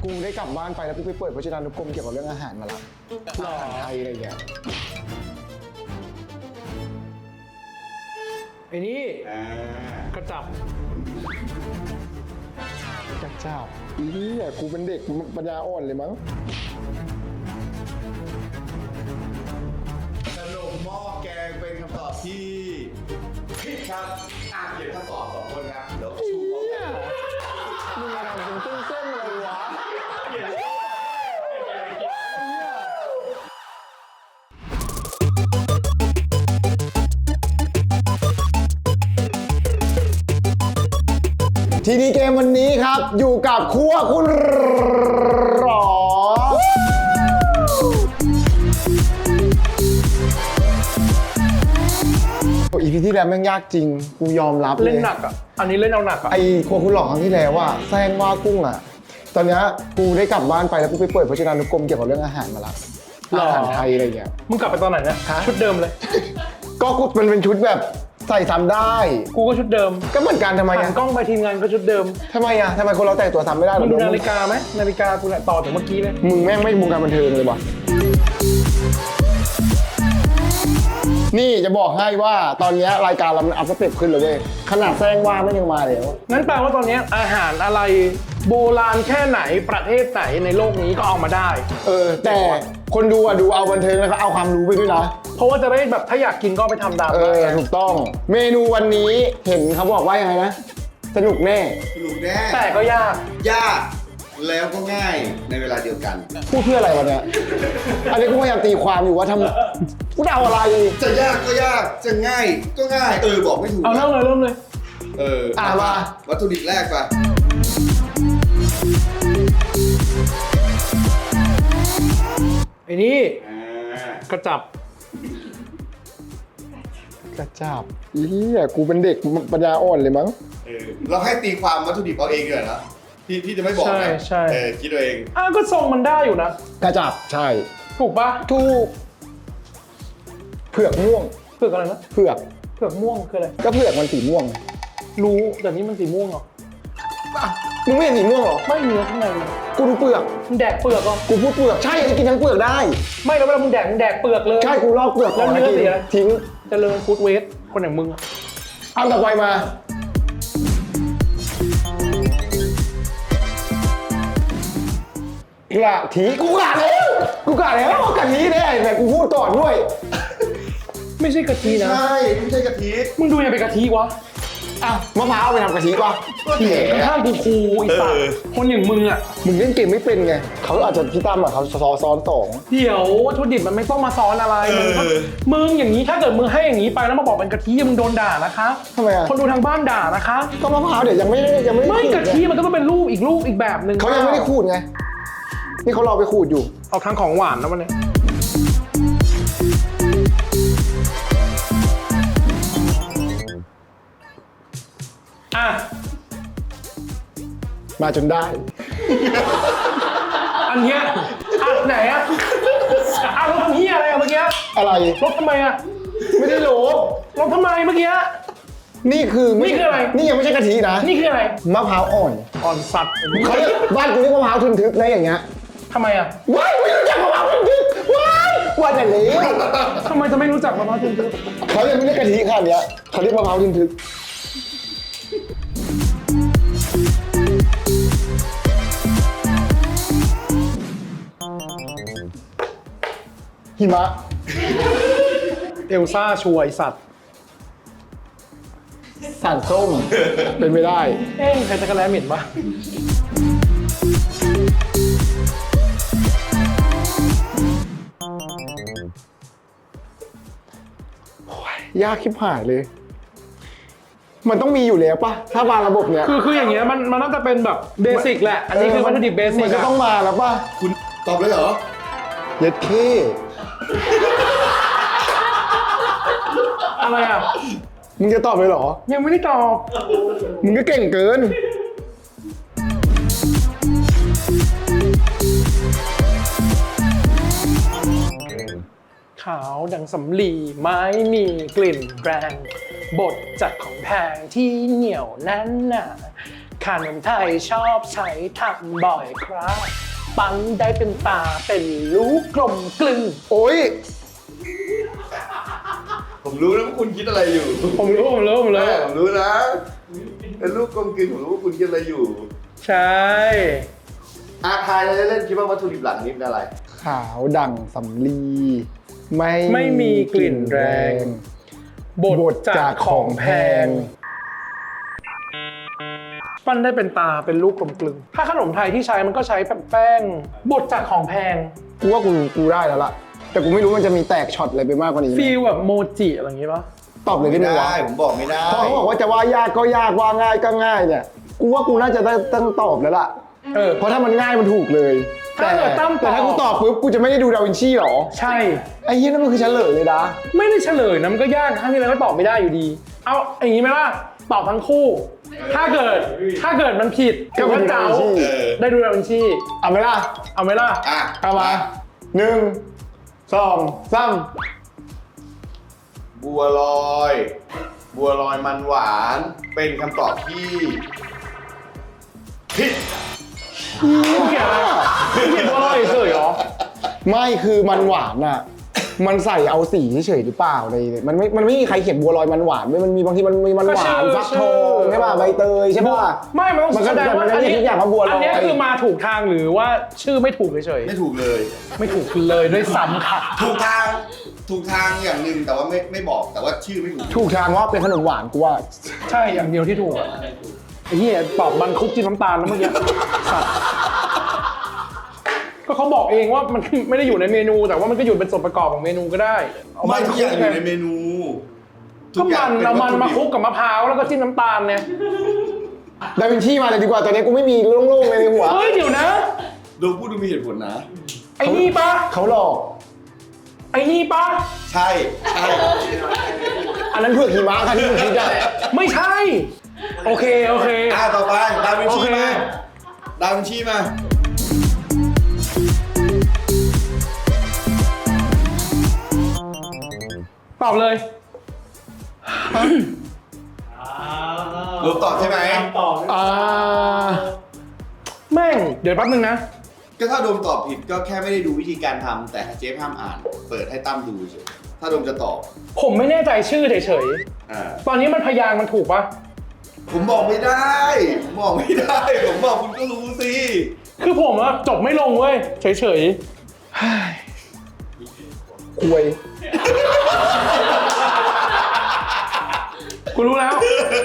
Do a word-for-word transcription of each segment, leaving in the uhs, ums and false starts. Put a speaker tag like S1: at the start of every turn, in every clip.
S1: กูได้กลับบ้านไปแล้วกูไปเปิดพจนานุกรมเกี่ยวกับเรื่องอาหารมาละอาหารไทยอะไรอย่างเงี้ย
S2: ไอ้นี่กระจับ
S1: กระจับอีนี่อ่ะกูเป็นเด็กปัญญาอ่อนเลยมั้ง
S3: ขนมหม้อแกงเป็นคำตอบที่ผิดครับอ่านเขียนคำตอบสองคนครับเดี๋ยวชูเขาเนี่ย
S1: มึงมาทำเป็นเส้นๆอะไรวะทีนี้เกมวันนี้ครับอยู่กับครัวคุณหรออีพีที่แล้วแม่งยากจริงกูยอมรับเลย
S2: เล่นหนักอ่ะอันนี้เล่นเอาหนักอ่ะ
S1: ไอ้ครัวคุณหลอกครั้งที่แล้วว่าแซงว่ากุ้งอ่ะตอนนี้กูได้กลับบ้านไปแล้วกูไปเปิดพจนานุกรมเกี่ยวกับเรื่องอาหารมาละอาหารไทยอะไรเงี้ย
S2: มึงกลับไปตอนไหนเนี่ยชุดเดิมเลย
S1: ก็กูมันเป็นชุดแบบใส่ซ้ำได้
S2: กูก็ชุดเดิม
S1: ก็เหมือนกันทำไม
S2: หั
S1: อ่ะ
S2: นกล้องไปทีมงานก็ชุดเดิม
S1: ทำไมอ่ะทำไมคนเราแต่งตัวซ้ำไม่ได้หร
S2: มึ
S1: อง
S2: ดูนาฬิกาไหมนาฬิกากูเนี่ยต่อจากเมื่อกี้เลย
S1: มึงแม่งไม่วงการบันเทิงเลยวะนี่จะบอกให้ว่าตอนนี้รายการเรามันอัพสเต็ปขึ้นเลยเว้ยขนาดแซงว่าไม่ยังมาเลยว่า
S2: งั้นแปลว่าตอนนี้อาหารอะไรโบราณแค่ไหนประเทศไหนในโลกนี้ก็เอามาได้
S1: เออแต่คนดูอ่ะดูเอาบันเทิงแล้วก็เอาความรู้ไปด้วยนะ
S2: เพราะว่าจะได้แบบถ้าอยากกินก็ไปทำตาม
S1: เออถูกต้องเมนูวันนี้เห็นเขาบอกว่ายังไงนะสนุกแน่
S3: สนุกแน่
S2: แต่ก็ยาก
S3: ยากแล้วก็ง่ายในเวลาเดียวกัน
S1: พูดเพื่ออะไรวะเนี่ยอันนี้กูพยายามตีความอยู่ว่าทำกูเดาอะไร
S3: จะยากก็ยากจะง่ายก็ง่ายเออบอกไม่ถูก
S2: เอาเริ่มเลยเริ่มเลย
S3: เออ
S1: อ่ะมา
S3: วัตถุดิบแรกป่ะ
S2: ไอ้นี่
S3: อ่าก
S2: ระจับ
S1: กระจับอีเหี้ยกูเป็นเด็กปัญญาอ่อนเลยมั้ง
S3: เออเราให้ตีความวัตถุดิบเอาเองดีกว่านะพี่พี่จะไม่บอก
S2: ใช่
S3: นะ
S2: ใช่
S3: เออคิดเอาเอง
S2: อ้าวก็ทรงมันได้อยู่นะ
S1: กระจับใช่
S2: ถูกปะ
S1: ถูกเผือกม่วง
S2: เผือกอะไรนะ
S1: เผือก
S2: เผือกม่วงคืออะไร
S1: ก็เผือกมันสีม่วง
S2: รู้แต่นี่มันสีม่วงเหรอ
S1: มึงไม่เห็นสีม่วงหรอ
S2: ไม่เนื้อข้างในมัน
S1: กูดูเปลือก
S2: มึงแดกเปลือกเหรอ
S1: กูพูดเปลือกใช่จะกินทั้งเปลือกได้
S2: ไม่แล้วเวลามึงแดกมึงแดกเปลือกเลย
S1: ใช่กูลอกเปลือก
S2: แล้วเนื้อเสีย
S1: ทิ้ง
S2: เจริญฟู้ดเวสคนอย่างมึงอะ
S1: เอาต่อไปมา กระถีกูกะแล้วกูกะแล้วว่ากะถีแน่แต่กูพูดก่อนด้วย
S2: ไม่ใช่กะทินะ
S3: ใช่ไม่ใช่กะทิ
S2: มึงดูยังเป็นกะทิวะ
S1: อ้าวมะพร้าวไปทำกะทิป่ะ
S3: เหี้ย
S2: ข้างๆกูครูไอ้สัตว์คนอย่างมึงอะ
S1: มึงเล่นเกมไม่เป็นไงเขาอาจจะพี่ตั้มอ่ะเขาซ้อนซ้อนสอง
S2: เดี๋ยววัตถุดิบมันไม่ต้องมาซ้อนอะไรมึงก็มึงอย่างนี้ถ้าเกิดมึงให้อย่างนี้ไปแล้วมาบอกเป็นกะทิมึงโดนด่านะคะ
S1: ทำไมอ่ะ
S2: คนดูทางบ้านด่านะคะ
S1: ก็มะพร้าวเดี๋ยวยังไม่ได้ยังไม่ได้
S2: ไม่
S1: ขูด
S2: กะทิมันก็ต้องเป็นรูปอีกรูปอีกแบบหนึ่ง
S1: เขายังไม่ได้ขูดไงนี่เขารอไปขูดอยู่
S2: เอาทางของหวานนะวันนี้อ่ะ
S1: มาจนได้
S2: อันเนี้ยอ่ะไหนอ่ะอ่ะรถทำเหี้ยอะไรอ่ะเมื่อกี้
S1: อะไร
S2: รถทำไมอ่ะ
S1: ไม่ได้โหล
S2: รถทำไมเมื่อกี้
S1: นี่คือม่
S2: นี่คืออะไร
S1: นี่ยังไม่ใช่กะทินะ
S2: นี่คืออะไร
S1: มะพร้าวอ่อน
S2: อ่อนสัตว์
S1: เขาเรียกบ้านกูเรียกมะพร้าวทึนทึกนะอย่างเงี้ย
S2: ทำไมอ่ะ
S1: ว้ายไม่รู้จักมะพร้าวทึนทึกว้ายว่าแต่เลี้ยว
S2: ทำไมจะไม่รู้จักมะพร้าวทึนทึก
S1: เขายังไม่เรียกกะทิขนาดเนี้ยเขาเรียกมะพร้าวทึนทึกหิมะ
S2: เอลซ่าช่วยสัตว์
S1: สั่นส้ม เป็นไม่ได้
S2: เอ๊ะใครจะกระแลเหม็นปะ
S1: ยากชิบหายเลย มันต้องมีอยู่แล้วปะถ้าบางระบบเนี้ย
S2: คือคืออย่างเงี้ยมันมันน่าจะเป็นแบบเบสิกแหละ อันนี้คือวัตถุดิบเบสิก
S1: มันก็ต้องมาแล้วปะ
S3: คุณตอบเลยเหรอ
S1: เย็ดเค
S2: อะไรอ่ะ
S1: มึงจะตอบเลยเหรอ
S2: ยังไม่ได้ตอบ
S1: มึงก็เก่งเกิน
S2: ขาวดังสำลีไม้มีกลิ่นแรงบดจัดของแพงที่เหนียวแน่นหนาขขนมไทยชอบใช้ทำบ่อยครับ ปั้นได้เป็นตาเป็นลูกกลมกลึง
S1: โอ้ย
S3: ผมรู้นะว่าคุณคิดอะไรอยู่
S2: ผมรู้ผมรู้ผม
S3: เอ
S2: รู้
S3: อผมรู้นะเป็นลูกกลมกลืนผมรู้ว่าคุณคิดอะไรอยู่
S2: ใช่
S3: อาทายเล่นๆคิดว่าวัตถุดิบหลักนี้เป็นอะไร
S1: ขาวดั่งสำลีไม่
S2: ไม่มีกลิ่นแรงบดจากของแพง ปั้นได้เป็นตาเป็นลูกกลมกลึงถ้าขนมไทยที่ใช้มันก็ใช้แป้งบดจากของแพง
S1: กูว่ากูกูได้แล้วล่ะ แต่กูไม่รู้มันจะมีแตกช็อตอะไรไปมากกว่านี้ไหม
S2: ฟีลแบบโมจิอะไรอย่างงี้ปะ
S1: ตอบเลย
S3: ไม่
S1: ได้ไหมวะ
S3: ได้ผมบอกไม่ได้
S1: เพราะเขาบอกว่าจะว่ายากก็ยากว่าง่ายก็ง่ายเนี่ย กูว่ากูน่าจะได้ต้องตอบแล้วล่ะ
S2: เออ
S1: เพราะถ้ามันง่ายมันถูกเลย
S2: ถ้าเกิดตั้มตอบ
S1: แต่ถ้ากูตอบปุ๊บกูจะไม่ได้ดูดาวินชีหรอ
S2: ใช่
S1: ไอ้เหี้ยนั่นมันคือเฉลยเลยนะ
S2: ไม่ได้เฉลยนะมันก็ยากครั้งที่แล้วก็ตอบไม่ได้อยู่ดี เอาอย่างนี้ไหมล่ะตอบทั้งคู่ ถ้าเกิดถ้าเกิดมันผิด
S1: ก็
S2: ถือ
S1: ไม่
S2: ว่า
S1: ได้
S2: เจ้า
S1: ดาวินชี
S3: เออ
S2: ได้ดูดาวินชี
S1: เอาไหมล่ะ
S2: เอาไหมล่ะ
S3: อ่ะ
S1: เอามาหนึ่งสองสาม
S3: บัวลอย บัวลอยมันหวานเป็นคำตอบที่ผิด
S2: เขียนอะไรเขียนว่าอะไรเฉยเหรอ
S1: ไม่คือมันหวานอ่ะ มันใส่เอาสีเฉยๆหรือเปล่าอะไรเนี่ยมันไม่ มันไม่มีใครเขียนบัวลอยมันหวานไม่มันมีบางทีมันมีมันหวานฟักทองใช่ป่ะใบเตยใช่ป่ะ
S2: ไม่มันต้อง
S1: มันก็
S2: แสดงว่า
S1: มันก็
S2: อัน
S1: เรียก
S2: นี้
S1: ทุกอย่างว่าบัวลอย
S2: อันนี้คือมาถูกทางหรือว่าชื่อไม่ถูกเฉย
S3: ไม่ถูกเลย
S2: ๆไม่ถูกเลยด้วยซ้ำค่ะ
S3: ถูกทางถูกทางอย่างหนึ่งแต่ว่าไม่ไม่บอกแต่ว่าชื่อไม่ถูก
S1: ถูกทางว่าเป็นขนมหวานกูว่า
S2: ใช่อย่างเดียวที่ถูกอะไอ้เหี้ยตอบมันคุกจิ้มน้ำตาลแล้วเมื่อกี้สัตว์ก็เขาบอกเองว่ามันไม่ได้อยู่ในเมนู แต่ว่ามันก็อยู่เป็นส่วนประกอบของเมนูก็ได้เ
S3: ไม่ทุกอย่างอยู่ในเมนู
S2: ก็มันเอามันมาคลุกกับมะพร้าวแล้วก็จิ้มน้ำตาลเนี่ย
S1: ดาวินชีมาเลยดีกว่าตอนนี้กูไม่มีโล่งๆเลยในหัว
S2: เฮ้ยเดี๋ยวนะ
S3: ดูพูดดูมีเหตุผลนะ
S2: ไอ้นี่ปะ
S1: เขาหลอก
S2: ไอ้นี่ปะ
S3: ใช่ใช่
S1: อันนั้นเผือกหิมะค่ะที่มึงคิดอะ
S2: ไม่ใช่ โอเคโอเค
S3: อ่ะต่อไปดาวินชี
S2: โอเค
S3: มาดาวินชีมา
S2: ตอบเลย
S3: รู้ตอบใช่ไหม
S1: อ่า
S2: แม่ง เดี๋ยวแป๊บนึงนะ
S3: ก็ถ้าโดมตอบผิดก็แค่ไม่ได้ดูวิธีการทำแต่เจฟห้ามอ่าน เปิดให้ตั้มดูเฉยถ้าโดมจะตอบ
S2: ผมไม่แน่ใจชื่อเฉย
S3: อ่า
S2: ๆ ตอนนี้มันพยางค์มันถูกปะ
S3: ผมบอกไม่ได้ผมบอกไม่ได้ ผมบอกคุณก็รู้สิ
S2: คือผมอะจบไม่ลงเว้ย เฉย
S1: ควย
S2: ๆ กูรู้แล้ว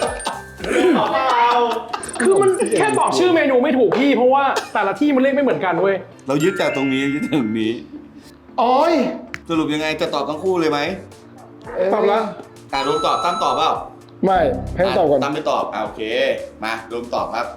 S2: คือมันแค่บอกชื่อเมนูไม่ถูกพี่ เพราะว่าแต่ละที่มันเรียกไม่เหมือนกันเว้ย
S3: เรายึดจากตรงนี้ยึดจากตรงนี้
S1: โอ้ย
S3: สรุปยังไงจะตอบทั้งคู่เลยไหม
S2: ตอบละ
S3: อ่าโดมตอบตั้มตอบเปล่า
S1: ไม่ให้ตอบก่อน
S3: ตั้มไม่ตอบอ่าโอเคมาโดมตอบครับ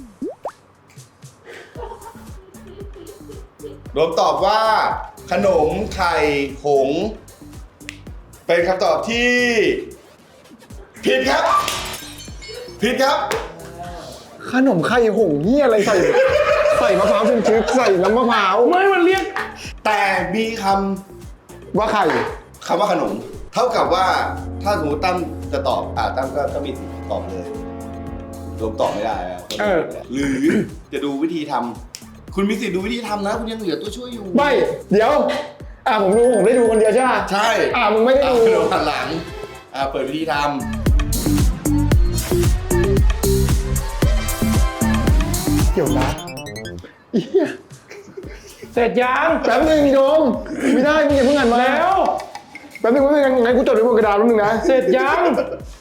S3: โดมตอบว่า ขนมไข่หงส์เป็นคำตอบที่ผิดครับผิดครับ
S1: ขนมไข่หงเหียอะไรใส่ ใส่มะพร้าวเป็นชึกใส่น้ำมะพร้าว
S2: ไม่มันเรียก
S3: แต่มีค
S1: ว่าไข่
S3: ำคำว่าขนม เท่ากับว่าถ้าสมมติตั้มจะตอบอ่าตั้มก็ก็มีสิทธิ์ตอบเลยโดมตอบไม่ได้อะ
S2: เออ
S3: หรือจะดูวิธีทำคุณมีสิทธิ์ดูวิธีทำนะ คุณยังเหลือตัวช่วยอยู่
S1: ไม่ เดี๋ยว อ่าผมดูผมได้ดูคนเดียวใช่ไหม
S3: ใช่
S1: อ่ามึงไม่ได้ดู
S3: อ่ะเดี๋ยวหันหลังอ่าเปิดวิธีท
S1: เกี่ยวนะเหี้ย
S2: เสร็จยัง
S1: แป๊บนึงโยมไม่ได้มึงอย่าเพิ่งอ่านมา
S2: แล้ว
S1: แป๊บนึงไม่เป็นไงงั้นกูจดไว้บนกระดาษแป๊บนึงนะ
S2: เสร็จยัง
S3: ำ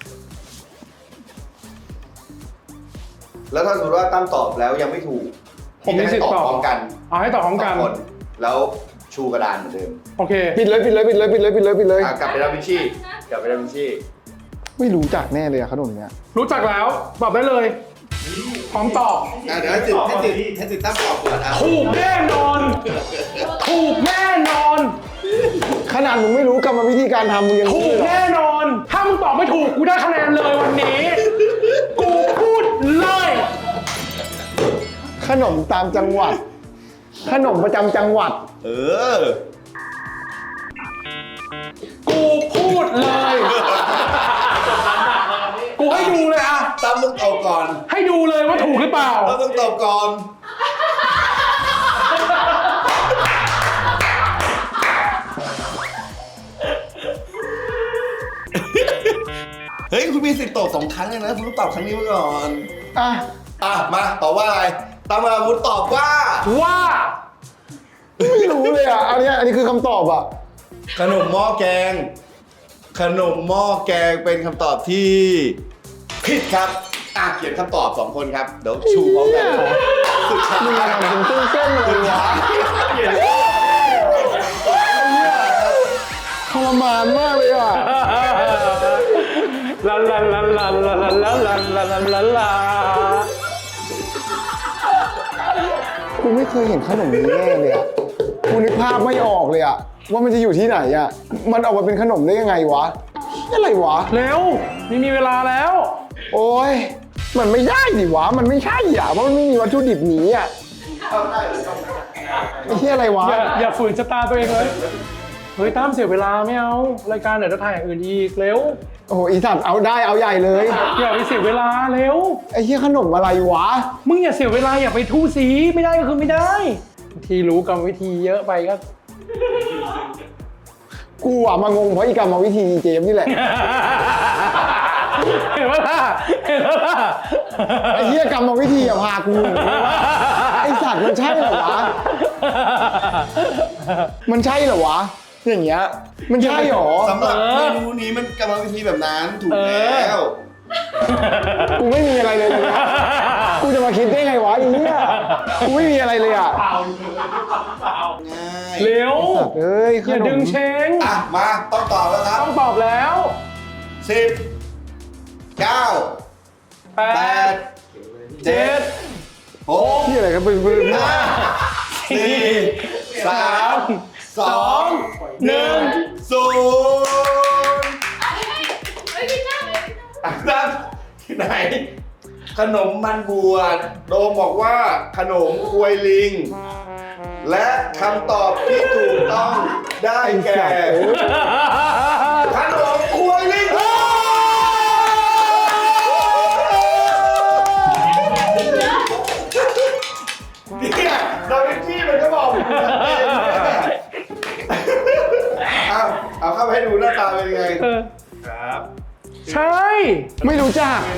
S3: แล้วถ้าสมมติว่าตั้มตอบแล้วยังไม่ถูก
S2: ผมมีสิทธิ์
S3: พี่จะให้
S2: ตอบ
S3: พร้อมกัน
S2: เอาให้ตอบพร้อมกัน
S3: สงคนแล้วชูกระดานเหมือนเดิม
S2: โอเค
S1: ปิดเลยปิดเลยปิดเลยปิดเลยปิดเลยปิดเลย
S3: อ่ะกลับไปดาวินชีกลับไปดาวินชี
S1: ไม่รู้จักแน่เลยอะขนมเนี้ย
S2: รู้จักแล้ว ตอบได้เลย พร้อมตอบ
S3: อ่ะเดี๋ยวให้ติดให้ติดให้ติดตั้มตอบก่อนอ่ะ
S2: ถูกแน่นอน ถูกแน่นอน
S1: ขนาดมึงไม่รู้กรรมวิธีการทำมึงยัง
S2: ถู
S1: รู้
S2: ก
S1: เลยเหรอ
S2: แน่นอน ถ้ามึงตอบไม่ถูกกูได้คะแนนเลยวันนี้ กูพูดเลย
S1: ขนมตามจังหวัด ขนมประจำจังหวัด
S3: เออ
S2: กูพูดเลย กูให้ดูเลยอะ
S3: ตตั้มต้องตอบก่อน
S2: ให้ดูเลยว่าถูกหรือเปล่า
S3: ตั้มต้องตอบก่อนเฮ้ยคุณมีสิทธิ์ตอบสองครั้งเลยนะคุณต้องตอบครั้งนี้มาก่อน
S1: อ่ะ
S3: อ่ะมาตอบว่าอะไรตามอาวุธตอบว่า
S2: ว่า
S1: ไม่รู้เลยอ่ะอันเนี้ยอันนี้คือคำตอบอ่ะ
S3: ขนมหม้อแกง ขนมหม้อแกงเป็นคำตอบที่ผิดครับอ่ะเขียนคำตอบสองคนครับเดี๋ยวชูพร้อมกันสุดท้าย
S1: มึงมาทำเป็นเส้นเส้นๆเลยวะทรมานมากเลยอ่ะ
S2: ลาลาลาลาลาลาลาลาลาลาลาลา
S1: กูไม่เคยเห็นขนมนี้แน่เลยอ่ะกูนึกภาพไม่ออกเลยอ่ะว่ามันจะอยู่ที่ไหนอ่ะมันออกมาเป็นขนมได้ยังไงวะอะไรวะ
S2: เร็วนี่มีเวลาแล้ว
S1: โอ้ยมันไม่ได้ดิวะมันไม่ใช่อ่ะเพราะมันไม่มีวัตถุดิบนี้อ่ะไอ้เหี้ยอะไรวะ
S2: อย่าอย่าฝืนชะตาตัวเองเลยเฮ้ยตั้มเสียเวลาไม่เอารายการเดี๋ยวจะถ่ายอย่างอื่นอีกเร็ว
S1: โอ้โหอีสัตว์เอาได้เอาใหญ่เลย
S2: อย่าไปเสียเวลาเร็ว
S1: ไอ้เหี้ยขนมอะไรวะ
S2: มึงอย่าเสียเวลาอย่าไปทู่สีไม่ได้ก็คือไม่ได้บางทีรู้กรรมวิธีเยอะไปก็
S1: กูอ่ะมางงเพราะอีกรรมวิธีเจมส์นี่แหละ
S2: เห็นปะล่ะเห็นปะล่ะ
S1: ไอ้เหี้ยกรรมวิธีอ่ะพากูหนีวะไอ้สัตว์มันใช่เหรอวะมันใช่เหรอวะอย่างเงี้ยมันใช่เหรอ
S3: สำหรับเมนูนี้มันกรรมวิธีแบบนั้นถูกแล้ว
S1: กูไม่มีอะไรเลยนะกูจะมาคิดได้ไงวะไอ้เหี้ยกูไม่มีอะไรเลยอ่ะ
S3: ง่าย
S2: เร็ว
S1: สัตว์เอ้ยข
S2: อย่าน ดึ
S1: ม
S2: งเชง
S3: อ่ะมาต้องตอบแล้วครับ
S2: ต้องตอบแล้ว
S3: สิบเก้า
S2: แป
S3: แป
S2: ด
S3: ด
S2: เจ็ด
S3: หก
S1: ที่อะไรครับเป็นเป็น
S3: ห้าสี่สามสองหนึ่งศูนย์
S4: เฮ้ยพี่จ้าเลย
S3: อ่ะครับที่ไหน ขนมมันบวชโดมบอกว่าขนมควยลิง และคำตอบที่ถูกต้องได้แก่ ขนมควยลิงเนี่ยดาวินชีมันก็บอกอยู่ชัดเจนเนี่ยเอาเอาเข้าไปให้ดูหน้าตาเป็นยังไง
S2: เออ
S3: ครับ
S2: ใช่
S1: ไม่รู้จัก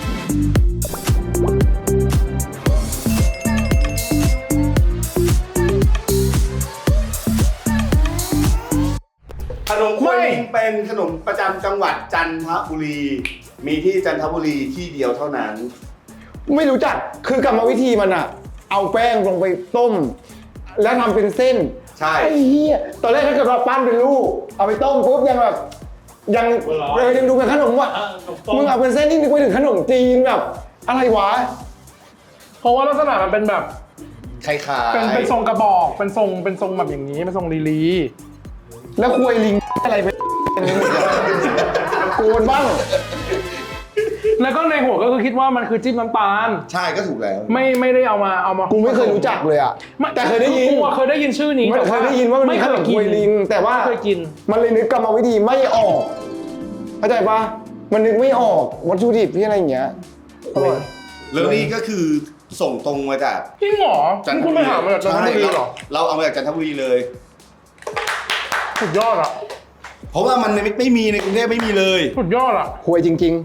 S3: ขนมควยลิงเป็นขนมประจำจังหวัดจันทบุรี มีที่จันทบุรีที่เดียวเท่านั้น
S1: ไม่รู้จักคือกรรมวิธีมันอะเอาแป้งลงไปต้ม แล้วทำเป็นเส้น
S3: ใช่
S1: ไอ้เหี้ยตอนแรกถ้าเกิดว่าปั้นเป็นลูกเอาไปต้มปุ๊บยังแบบยังเออยังดูเป็นขนมว่ะมึงเอาเป็นเส้นนี่นึกไปถึงขนมจีนแบบ อะไรวะ
S2: เพราะว่าลักษณะมันเป็นแบบ
S3: คล้ายๆ
S2: เป็นเป็นทรงกระบอกเป็นทรงเป็นทรงแบบอย่างนี้เป็นทรงลีลี
S1: แล้วควยลิงอะไรไปโกนบ้าง
S2: แล้วก็ในหัวก็คือคิดว่ามันคือจิ้มน้ำตาล
S3: ใช่ก็ถูกแล้ว
S2: ไม่ไม่ได้เอามาเอามา
S1: กูไม่เคยรู้จักเลยอะ
S2: ไม่
S1: แต่เคยได้ยิน
S2: กูอะเคยได้ยินชื่อนี้
S1: ไม่
S2: แต่
S1: เคยได้ยินว่ามันมีขนมควยลิง แต่ว่า
S2: ไม่เคยกิน
S1: มันเลยนึกกรรมวิธีไม่ออกเข้าใจปะมันนึกไม่ออกวัตถุดิบที่อะไรอย่างเงี้ยอร่อย
S3: แล้วนี่ก็คือส่งตรงมาจาก
S2: จริงเหรอนี่คุณไปหามาจากจันทบุรีเหรอ
S3: เราเอามาจากจันทบุรีเลย
S2: สุดยอดอ่ะ
S3: เพราะว่ามันไม่ไม่มีในกรุงเทพไม่มีเลย
S2: สุดยอดอ่ะ
S1: ควยจริง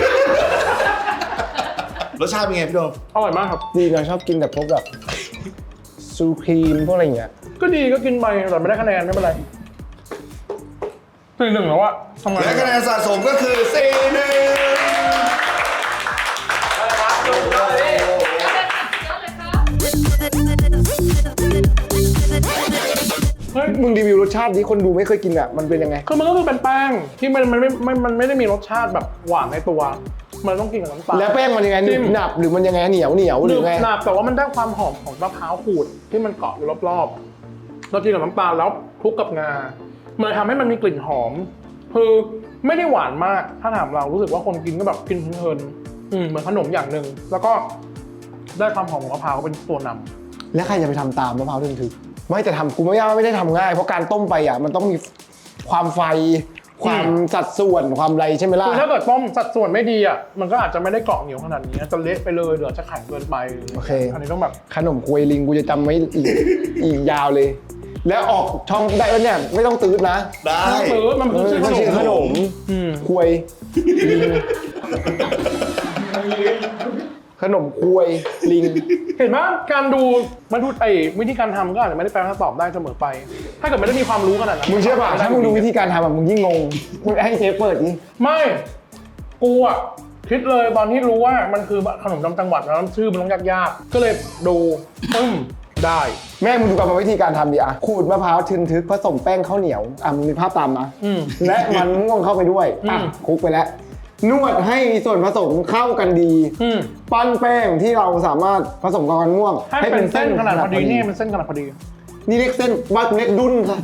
S3: รสชาติเป็นไงพี่โดม
S2: อร่อยมากครับ
S1: ๆ ดีนะชอบกินแบบพวกแบบซูครีมพวกอะไรอย่างเงี้ย
S2: ก็ดีก็กินไปแต่ไม่ได้คะแนนไม่เป็นไรสี่หนึ่งแล้วอะทำไง
S3: และคะแนนสะสมก็คือสี่หนึ่ง
S2: เฮ้ย
S1: มึงรีวิวรสชาติที่คนดูไม่เคยกินอ่ะมันเป็นยังไง
S2: คือมันก็คือเป็นแป้งที่มันมันไม่ไม่มันไม่ได้มีรสชาติแบบหวานในตัว มันต้องกินกับน้ำตาล
S1: แล้วแป้งมันยังไงหนึ
S2: จิ้
S1: บ
S2: ม
S1: หนับหรือมันยังไงเหนียวเหนียวห
S2: ห
S1: รื
S2: นึ
S1: อบ ไง
S2: หนับแต่ว่ามันได้ความหอมของมะพร้าวขูดที่มันเกาะอยู่รอบๆเรากินกับน้ำตาลแล้วคลุกกับงา มันเลยทำให้มันมีกลิ่นหอม คือไม่ได้หวานมาก ถ้าถามเรารู้สึกว่าคนกินก็แบบกินเพลินๆอืมเหมือนขนมอย่างหนึ่งแล้วก็ได้ความหอมของมะพร้าวเป็นตัวนำ
S1: แล้วใครจะไปทำตามมะพร้าวถึงถึกไม่แต่ทำกูไม่ยากไม่ได้ทำง่ายเพราะการต้มไปอ่ะมันต้องมีความไฟความสัดส่วนความไรใช่ไหมล่ะ
S2: คือถ้าเกิดต้มสัดส่วนไม่ดีอ่ะมันก็อาจจะไม่ได้เกาะเหนียวขนาดนี้จะเละไปเลยหรือจะแข็งเกินไป
S1: โอเค
S2: อันนี้ต้องแบบ
S1: ขนมควยลิงกูจะจำไว้อีก อีกยาวเลย แล้วออกช่องได้แล้วเนี่ยไม่ต้องตื้อนะ
S3: ได้
S2: มันคือมันคือชื่อ
S1: มันชื่อ
S2: ข
S1: ข
S2: น
S1: น
S2: ม
S1: ม
S2: อืม
S1: ควยลิงขนมควยลิง
S2: เห็นไหมการดูมันดูไอ้วิธีการทำก็อาจจะไม่ได้แปลคำตอบได้เสมอไป ถ้าเกิดไม่ได้มีความรู้ขนาดนั้น
S1: มึงเชื่อป่ะถ้ามึงดูวิธีการทำอะมึงยิ่งงงมึงให้เชฟเปิดดิ
S2: ไม่กูอ่ะคิดเลยตอนที่รู้ว่ามันคือขนมจำจังหวัดแล้วชื่อมันต้องยากๆก็เลยดูปึ้มได้
S1: แม่มึงดูกรรมวิธีการทำดิอะขูดมะพร้าวทึนทึกผสมแป้งข้าวเหนียวอ่ะมึงมีภาพตามนะ
S2: อืม
S1: และมันม่วงเข้าไปด้วยอ่ะ
S2: อืม
S1: คลุกไปแล้ว นวดให้มีส่วนผสมเข้ากันดี
S2: อืม
S1: ปั้นแป้งที่เราสามารถผสมกับมันม่วง
S2: ให้เป็นเส้นขนาดพอดีนี่เป็นเส้นขนาดพอดี
S1: นี่เรียกเส้นบ้านกูเรียกดุ้นค่ะ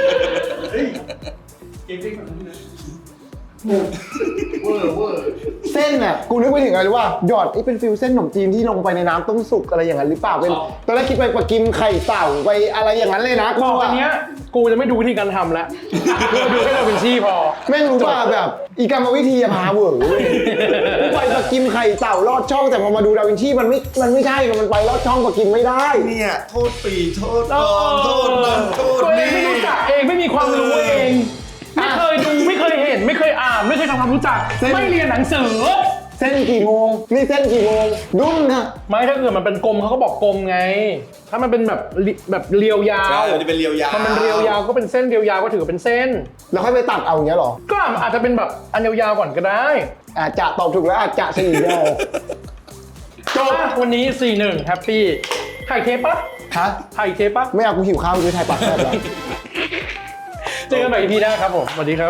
S3: เวอร์เวอร์
S1: เส้นน่ะกูนึกไปถึงอะไรรู้ป่ะหยอดไอ้เป็นฟิวเส้นขนมจีนที่ลงไปในน้ำต้มสุกอะไรอย่างนั้นหรือเปล่าเป็นตอนแรกคิดไปปลากิมไข่เต่าไปอะไรอย่างนั้นเลยนะกู
S2: บอกอั
S1: อะ
S2: นเนี้ยกูจะไม่ดูวิธีการทำแล้วกูดูแค่เราเป็นชี่พอ
S1: แม่งรู้ป่ะแบบอีกรรมวิธีอะพาเวอร์เว้ยกูไปปลากิมไข่เต่าลอดช่องแต่พอมาดูดาวินชีมันไม่มันไม่ใช่มันไปลอดช่องปลากิมไม่ได้
S3: เนี่ยโทษปีโทษกองโทษนั่นโทษ
S2: ตัวเอง
S3: นี่
S2: ไม่รู้จักเองไม่มีความรู้เอง ไม่เคยดูไม่เคยเห็น ไม่เคยอ่านไม่เคยทำความรู้จัก ไม่เรียนหนังสือ
S1: เส้นกี่โมงนี่เส้นกี่โมงดุ้นค่ะ
S2: ไม่ถ้าเกิดมันเป็นกลมเขาก็บอกกลมไง ถ้ามันเป็นแบบริแบบเรียวยา
S3: ใช่
S2: ว
S3: มันจะเป็นเรียวยาว
S2: มันเป็นเรียวยาวก็เป็นเส้นเรียวยาวก็ถือเป็นเส้น
S1: แล้วค่อยไปตัดเอาอย่างเงี้ยเหรอ
S2: ก็อาจจะเป็นแบบอันยาวๆก่อนก็ได้
S1: อาจจะตอบถูกแล้วอาจจะสี่เดียว
S2: จบวันนี้ สี่หนึ่งแฮปปี้ถ่ายเทปปะ
S1: ฮะ
S2: ถ่ายเทปปะ
S1: ไม่เอากูหิวข้าวกูจะถ่ายปากแซ่บแล้ว
S2: เจอกันใหม่ อี พี หน้าครับผมสวัสดีครับ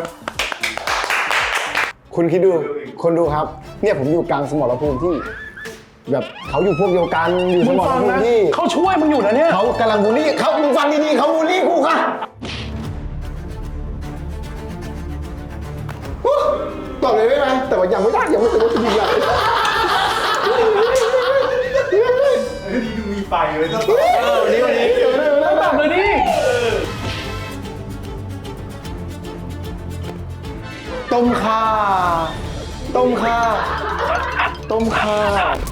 S1: คุณคิดดู คนดูครับ เนี่ยผมอยู่กลางสมรภูมิที่ แบบเขาอยู่พวกเดียวกันอยู่ส
S2: มึง
S1: มร
S2: ฟัง
S1: ภู
S2: นะ
S1: มิที่
S2: เขาช่วยมึงอยู่นะเนี่ย
S1: เขากำลังบูลลี่เขามึงฟังดีๆเขาบูลลี่กูค่ะฮู้ตอบเลยได้ไหมแต่ว่ายังไม่ได้ยังไม่ถึงว่าจะยิงอะไร
S3: เฮ้ยนี่ดูมีไฟเลยต้อง
S2: เออวันนี้วันนี้ต้องตอบเลยดิ
S1: ต้มข่าต้มข่าต้มข่า